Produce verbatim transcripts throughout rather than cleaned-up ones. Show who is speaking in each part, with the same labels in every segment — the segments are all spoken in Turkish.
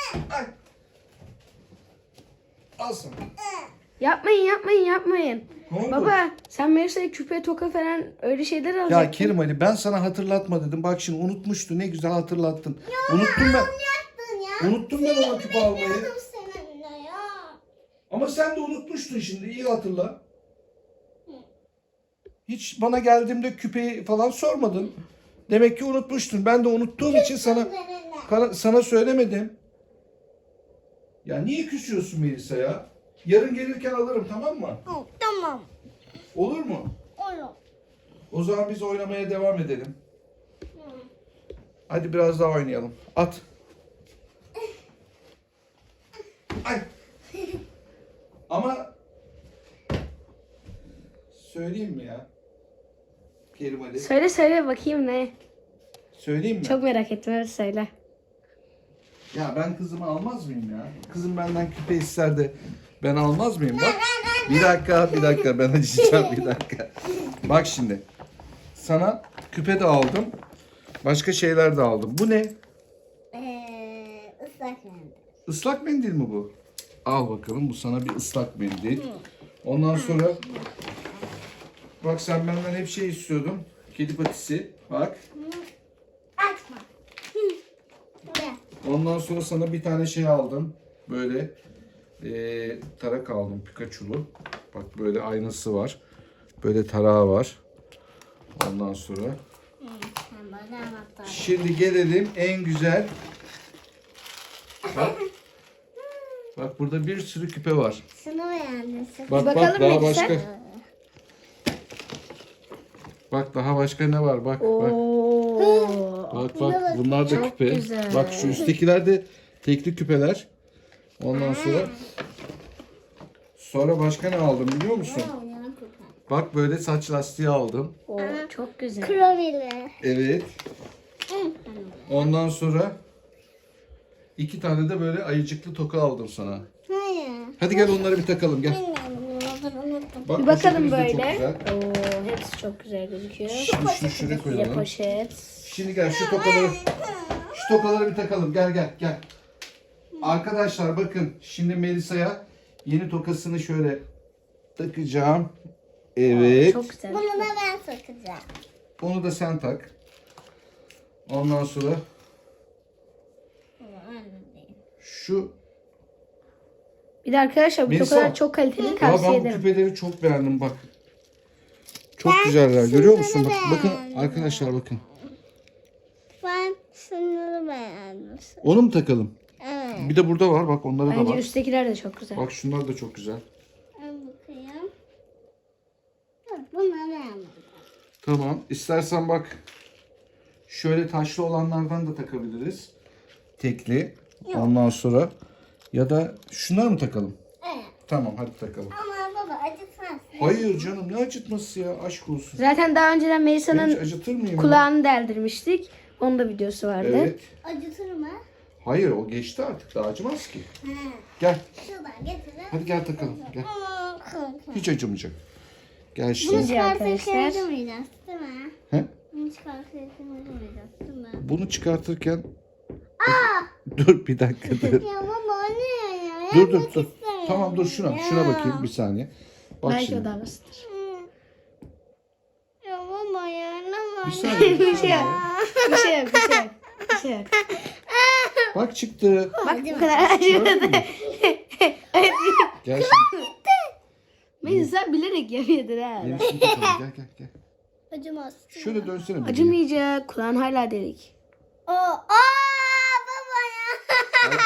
Speaker 1: Ay. Al sana.
Speaker 2: Yapmayın yapmayın yapmayın.
Speaker 1: Ne oldu?
Speaker 2: Baba sen Melisa'ya küpe toka falan öyle şeyler alacaktın.
Speaker 1: Ya Kerim Ali ben sana hatırlatma dedim. Bak şimdi unutmuştu. Ne güzel hatırlattın. Unuttum ben.
Speaker 3: Ya.
Speaker 1: Unuttum ben ona küpe almayı.
Speaker 3: Bilmiyordum seninle ya.
Speaker 1: Ama sen de unutmuştun şimdi. İyi hatırla. Hiç bana geldiğimde küpeyi falan sormadın. Demek ki unutmuştun. Ben de unuttuğum için sana kana- sana söylemedim. Ya niye küsüyorsun Melisa ya? Yarın gelirken alırım, tamam mı?
Speaker 3: Tamam.
Speaker 1: Olur mu?
Speaker 3: Olur.
Speaker 1: O zaman biz oynamaya devam edelim. Hadi biraz daha oynayalım. At. Ay. Ama söyleyeyim mi ya? Kerim Ali.
Speaker 2: Söyle söyle bakayım ne?
Speaker 1: Söyleyeyim mi?
Speaker 2: Çok merak ettim, evet söyle.
Speaker 1: Ya ben kızımı almaz mıyım ya? Kızım benden küpe ister de ben almaz mıyım? Bak. Bir dakika, bir dakika. Ben açacağım bir dakika. Bak şimdi. Sana küpe de aldım. Başka şeyler de aldım. Bu ne?
Speaker 3: Ee, ıslak mendil.
Speaker 1: Islak mendil mi bu? Al bakalım. Bu sana bir ıslak mendil. Ondan sonra bak sen benden hep şey istiyordun. Kedi patisi. Bak.
Speaker 3: Açma. Buraya.
Speaker 1: Ondan sonra sana bir tane şey aldım. Böyle eee, tarak aldım. Pikachu'lu. Bak böyle aynası var. Böyle tarağı var. Ondan sonra.
Speaker 3: Sen bana anahtar.
Speaker 1: Şimdi gelelim en güzel. Bak. Bak burada bir sürü küpe var.
Speaker 3: Şunu beğendin.
Speaker 1: Bak bak
Speaker 2: Bakalım
Speaker 1: daha
Speaker 2: Melisa.
Speaker 1: başka. Bak daha başka ne var? Bak bak.
Speaker 2: Oo.
Speaker 1: Bak bak bunlar da
Speaker 2: Çok
Speaker 1: küpe.
Speaker 2: güzel.
Speaker 1: Bak şu üsttekiler de tekli küpeler. Ondan sonra sonra başka ne aldım biliyor musun? Bak böyle saç lastiği aldım.
Speaker 2: Oo, çok güzel.
Speaker 3: Kromili.
Speaker 1: Evet. Ondan sonra iki tane de böyle ayıcıklı toka aldım sana.
Speaker 3: Hayır.
Speaker 1: Hadi gel onları bir takalım gel.
Speaker 3: Bilmiyorum. Unuttum.
Speaker 1: Bak
Speaker 2: Bir bakalım
Speaker 1: poşetimiz de çok
Speaker 2: böyle.
Speaker 1: güzel.
Speaker 2: Oo, hepsi çok güzel gözüküyor.
Speaker 1: Şimdi şu şuraya
Speaker 2: Bir de
Speaker 1: koyalım.
Speaker 2: poşet.
Speaker 1: Şimdi gel şu tokaları şu tokaları bir takalım. Gel gel gel. Arkadaşlar bakın şimdi Melisa'ya yeni tokasını şöyle takacağım. Evet.
Speaker 2: Çok güzel.
Speaker 3: Bunu da ben takacağım.
Speaker 1: Onu da sen tak. Ondan sonra şu
Speaker 2: Bir de arkadaşlar bu
Speaker 1: Melisa.
Speaker 2: tokalar çok kaliteli,
Speaker 1: ya
Speaker 2: tavsiye
Speaker 1: ben bu
Speaker 2: ederim.
Speaker 1: küpeleri çok beğendim bak. Çok güzeller. Görüyor musun? Bak, bakın arkadaşlar bakın.
Speaker 3: Ben şunları beğendim.
Speaker 1: Onu mu takalım?
Speaker 3: Evet.
Speaker 1: Bir de burada var bak onları da
Speaker 2: Bence
Speaker 1: var.
Speaker 2: üsttekiler de çok güzel.
Speaker 1: Bak şunlar da çok güzel.
Speaker 3: Ben bakayım. Dur, bunları beğenmedim.
Speaker 1: Tamam. İstersen bak şöyle taşlı olanlardan da takabiliriz. Tekli. Ondan sonra ya da şunları mı takalım?
Speaker 3: Evet.
Speaker 1: Tamam hadi takalım.
Speaker 3: Ama baba acıtmaz.
Speaker 1: Hayır canım ne acıtması ya aşk olsun.
Speaker 2: Zaten daha önceden
Speaker 1: Ben hiç
Speaker 2: Melisa'nın
Speaker 1: acıtır mıyım? ya?
Speaker 2: kulağını deldirmiştik. Onun da videosu vardı.
Speaker 1: Evet.
Speaker 3: Acıtır mı?
Speaker 1: Hayır o geçti artık daha acımaz ki.
Speaker 3: He.
Speaker 1: Gel.
Speaker 3: Şuradan getirin.
Speaker 1: Hadi gel takalım. Gel.
Speaker 3: Aa, korkunç.
Speaker 1: Hiç acımayacak. Gel
Speaker 3: Bunu
Speaker 1: şimdi.
Speaker 3: çıkartırken
Speaker 2: arkadaşlar.
Speaker 3: acımayacağız değil mi?
Speaker 1: He?
Speaker 3: Bunu çıkartırken acımayacağız değil mi?
Speaker 1: Bunu çıkartırken dur bir dakika dur.
Speaker 3: Ya baba o ne ya?
Speaker 1: dur dur
Speaker 3: Yapmak
Speaker 1: dur.
Speaker 3: istemiyorum
Speaker 1: Tamam dur şuna.
Speaker 3: ya.
Speaker 1: Şuna bakayım bir saniye. Bak
Speaker 2: Belki
Speaker 1: şimdi.
Speaker 2: o da basittir.
Speaker 3: Ya baba ya ne var?
Speaker 1: Bir saniye.
Speaker 2: Bir şey yok. Bir şey yok. Bir şey yok. Bir şey yok.
Speaker 1: Bak çıktı.
Speaker 2: Bak bu kadar acımadı.
Speaker 1: Gördün mü? Gel şimdi.
Speaker 2: Melisa bilerek yapıyordur ha.
Speaker 1: Yenisini takalım. Gel gel gel.
Speaker 3: Acımaz.
Speaker 1: Şöyle dönsene. bir.
Speaker 2: Acımayacak. Kulağın hala delik.
Speaker 3: Oo, aa baba ya.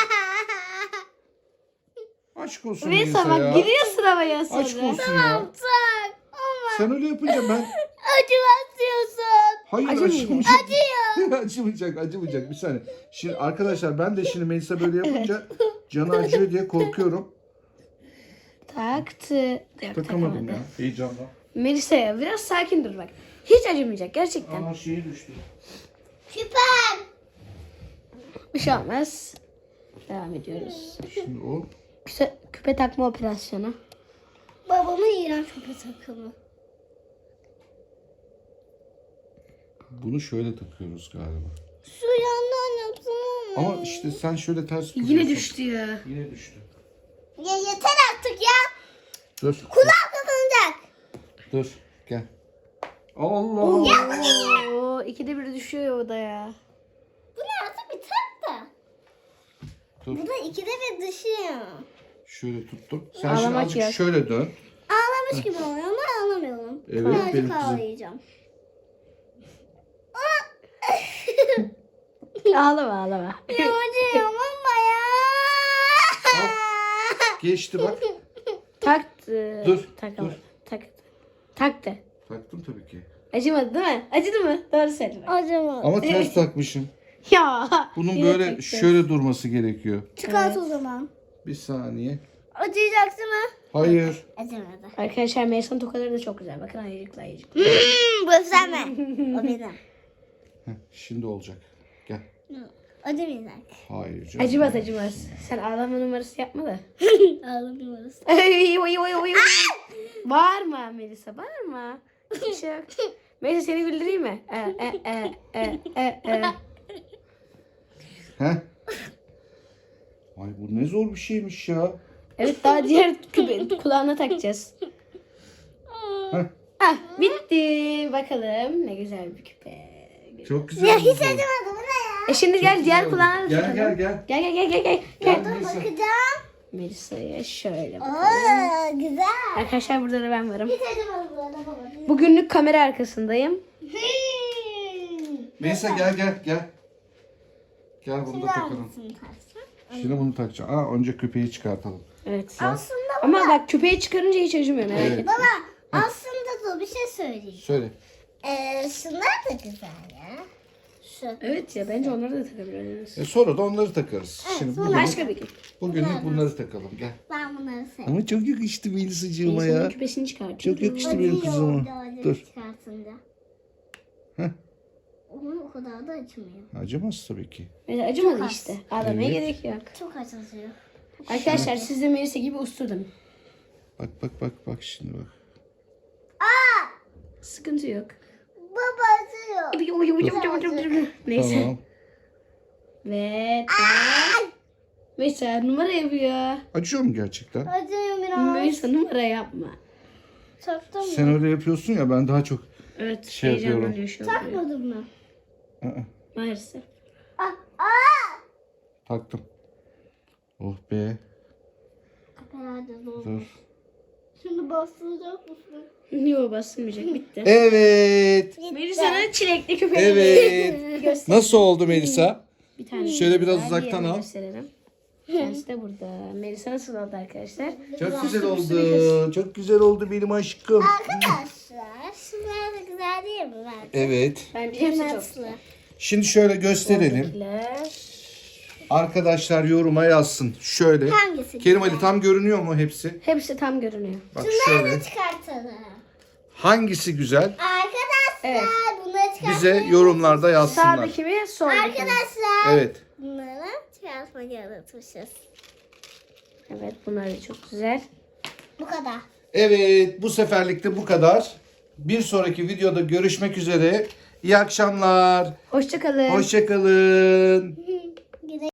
Speaker 1: Aşk olsun
Speaker 2: Melisa
Speaker 1: Melisa ya.
Speaker 2: bak giriyorsun havaya sonra.
Speaker 1: Aşk olsun ya.
Speaker 3: Tak. Ama
Speaker 1: Sen öyle yapınca ben...
Speaker 3: acımaz diyorsun.
Speaker 1: Hayır
Speaker 2: Acımayacak.
Speaker 1: acımayacak. Acıyor. acımayacak acımayacak. Bir saniye. Şimdi arkadaşlar ben de şimdi Melisa böyle yapınca canı acıyor diye korkuyorum.
Speaker 2: Taktı. Yok,
Speaker 1: Takamadım
Speaker 2: takamadı.
Speaker 1: ya heyecanla.
Speaker 2: Melisa ya biraz sakin dur bak. Hiç acımayacak gerçekten.
Speaker 1: Aa şeyi düştü.
Speaker 3: Süper.
Speaker 2: Bir şey olmaz. Devam ediyoruz.
Speaker 1: Şimdi o
Speaker 2: Küpe, küpe takma operasyonu.
Speaker 3: Babamın iğrenç köpek takımı.
Speaker 1: bunu şöyle takıyoruz galiba.
Speaker 3: Şu yandan yapsam olmaz.
Speaker 1: Ama işte sen şöyle ters
Speaker 2: Yine
Speaker 1: kuruyorsun.
Speaker 2: düştü ya.
Speaker 1: Yine düştü.
Speaker 3: Ya yeter artık ya.
Speaker 1: Dur.
Speaker 3: Kulağım kapanacak.
Speaker 1: Dur. Gel. Allah Allah.
Speaker 2: Oo, ikide bir düşüyor o da ya.
Speaker 3: Bu ne artık biter de.
Speaker 1: Dur.
Speaker 3: Bu da ikide bir düşüyor.
Speaker 1: Şöyle tuttum. Sen şimdi
Speaker 2: Ağlamak
Speaker 1: azıcık
Speaker 2: yok.
Speaker 1: şöyle dön.
Speaker 3: Ağlamış gibi oluyor ama ağlamıyorum.
Speaker 1: Evet,
Speaker 3: Birazcık
Speaker 1: benim kızım.
Speaker 3: ağlayacağım.
Speaker 2: Ağlama ağlama.
Speaker 3: Yumucuğum ama ya.
Speaker 1: Al. Geçti bak.
Speaker 2: Taktı.
Speaker 1: Dur,
Speaker 2: Takamadı.
Speaker 1: dur.
Speaker 2: Tak. Taktı.
Speaker 1: Taktım tabii ki.
Speaker 2: Acımadı değil mi? Acıdı mı? Doğru söyle. bak.
Speaker 3: Acaba.
Speaker 1: Ama ters takmışım.
Speaker 2: Ya.
Speaker 1: Bunun
Speaker 2: yine
Speaker 1: böyle
Speaker 2: taktı.
Speaker 1: şöyle durması gerekiyor.
Speaker 3: Çıkart o zaman.
Speaker 1: Bir saniye.
Speaker 3: Acıyacak değil mi?
Speaker 1: Hayır.
Speaker 3: Acımadı.
Speaker 2: Arkadaşlar Melisa'nın tokaları da çok güzel. Bakın ayıcıkla ayıcıkla.
Speaker 3: Hmm, bu sen mi? O benim.
Speaker 1: Heh, şimdi olacak. Gel.
Speaker 3: Acımayacak.
Speaker 1: Hayır canım.
Speaker 2: Acımaz acımaz. Sen ağlama numarası yapma da.
Speaker 3: Ağlamıyoruz.
Speaker 2: Ay, oy, oy, oy, oy. Bağırma Melisa, bağırma. Bir şey yok. Melisa seni güldüreyim mi? E, e, e, e, e, e.
Speaker 1: Heh. Ay bu ne zor bir şeymiş ya.
Speaker 2: Evet daha diğer küpe, kulağına takacağız.
Speaker 1: Heh.
Speaker 2: Ah bitti. Bakalım ne güzel bir küpe.
Speaker 1: Çok güzel.
Speaker 3: Ya
Speaker 1: oldu.
Speaker 3: hiç acımadı bu ne ya?
Speaker 2: E şimdi gel diğer
Speaker 1: Güzel oldu.
Speaker 2: kulağına da
Speaker 1: Gel
Speaker 2: takalım.
Speaker 1: gel gel.
Speaker 2: Gel gel gel gel gel.
Speaker 1: Gel
Speaker 2: gel.
Speaker 1: Melisa.
Speaker 3: Bakacağım.
Speaker 2: Melisa'ya şöyle bakalım.
Speaker 3: Oo, güzel.
Speaker 2: Arkadaşlar burada da ben varım.
Speaker 3: Hiç acımadı bu arada baba.
Speaker 2: Bugünlük kamera arkasındayım.
Speaker 3: Hmm.
Speaker 1: Melisa gel gel gel. Gel bunu da takalım.
Speaker 3: Hangisini taksam?
Speaker 1: Şimdi bunu takacağım. Aa önce küpeyi çıkartalım.
Speaker 2: Evet.
Speaker 3: Aslında
Speaker 2: Ama bak küpeyi çıkarınca hiç acımıyor merak
Speaker 1: Evet.
Speaker 2: etme.
Speaker 3: baba aslında dur bir şey söyleyeyim.
Speaker 1: Söyle.
Speaker 3: Ee, şunlar da güzel ya. Şu.
Speaker 2: Evet ya bence onları da takabiliriz.
Speaker 1: E sonra da onları takarız. Şimdi bugün,
Speaker 2: Başka bir gün.
Speaker 1: bugünlük bunları takalım. Gel.
Speaker 3: Ben bunları seviyorum.
Speaker 1: Ama çok yakıştı Melisa'cığıma
Speaker 2: Melisa'nın
Speaker 1: ya.
Speaker 2: küpesini çıkartayım.
Speaker 1: Çok yakıştı benim kızıma. Dur.
Speaker 3: Çıkartınca.
Speaker 1: Heh.
Speaker 3: Onun o kadar da acımıyor.
Speaker 1: Acımaz tabii ki.
Speaker 2: Melisa acımadı
Speaker 3: Çok az.
Speaker 2: işte. Ağlamaya
Speaker 1: Evet.
Speaker 2: gerek yok.
Speaker 3: Çok acıtıyor.
Speaker 2: Arkadaşlar siz de Melisa gibi ustudun.
Speaker 1: Bak bak bak bak şimdi bak.
Speaker 2: Sıkıntı yok.
Speaker 3: Baba acıyor.
Speaker 2: Neyse.
Speaker 1: Tamam.
Speaker 2: Ve tamam. Melisa numara yapıyor.
Speaker 1: Acıyor mu gerçekten?
Speaker 3: Acıyor biraz.
Speaker 2: Melisa numara yapma.
Speaker 3: Taktın mı?
Speaker 1: Sen öyle yapıyorsun ya ben daha çok.
Speaker 2: Evet
Speaker 1: Şey
Speaker 2: heyecanlanıyor şu an.
Speaker 3: Takmadın mı?
Speaker 1: Aa,
Speaker 2: Maalesef.
Speaker 3: Aa, aa.
Speaker 1: taktım. Oh be.
Speaker 3: Herhalde doğru.
Speaker 1: Dur.
Speaker 3: Şimdi bastıracak mısın?
Speaker 2: Yok basılmayacak bitti.
Speaker 1: Evet.
Speaker 2: Melisa'nın çilekli küpeleri.
Speaker 1: Evet.
Speaker 2: Göster.
Speaker 1: Nasıl oldu Melisa?
Speaker 2: Bir tane
Speaker 1: Şöyle biraz
Speaker 2: daha
Speaker 1: uzaktan
Speaker 2: diğerini
Speaker 1: al.
Speaker 2: gösterelim. Kendisi de burada. Melisa nasıl oldu arkadaşlar?
Speaker 1: Çok güzel oldu. Çok güzel oldu benim aşkım.
Speaker 3: Arkadaşlar şunlar da güzel değil mi bence?
Speaker 1: Evet.
Speaker 2: Bence hepsi çok
Speaker 3: Nasıl?
Speaker 2: güzel.
Speaker 1: Şimdi şöyle gösterelim.
Speaker 2: Buradakiler.
Speaker 1: Arkadaşlar yoruma yazsın. Şöyle.
Speaker 3: Hangisi
Speaker 1: Kerim
Speaker 3: güzel?
Speaker 1: Ali tam görünüyor mu hepsi?
Speaker 2: Hepsi tam görünüyor.
Speaker 1: Bak
Speaker 3: Şunları
Speaker 1: şöyle.
Speaker 3: da çıkartalım.
Speaker 1: Hangisi güzel?
Speaker 3: Arkadaşlar
Speaker 2: Evet.
Speaker 3: bunları çıkartalım.
Speaker 1: Bize yorumlarda yazsınlar.
Speaker 2: Sağdaki mi soldaki mi?
Speaker 3: Arkadaşlar
Speaker 1: Evet.
Speaker 3: bunları çıkartmayı unutmuşuz.
Speaker 2: Evet bunlar da çok güzel.
Speaker 3: Bu kadar.
Speaker 1: Evet, bu seferlik de bu kadar. Bir sonraki videoda görüşmek üzere. İyi akşamlar.
Speaker 2: Hoşçakalın.
Speaker 1: Hoşçakalın.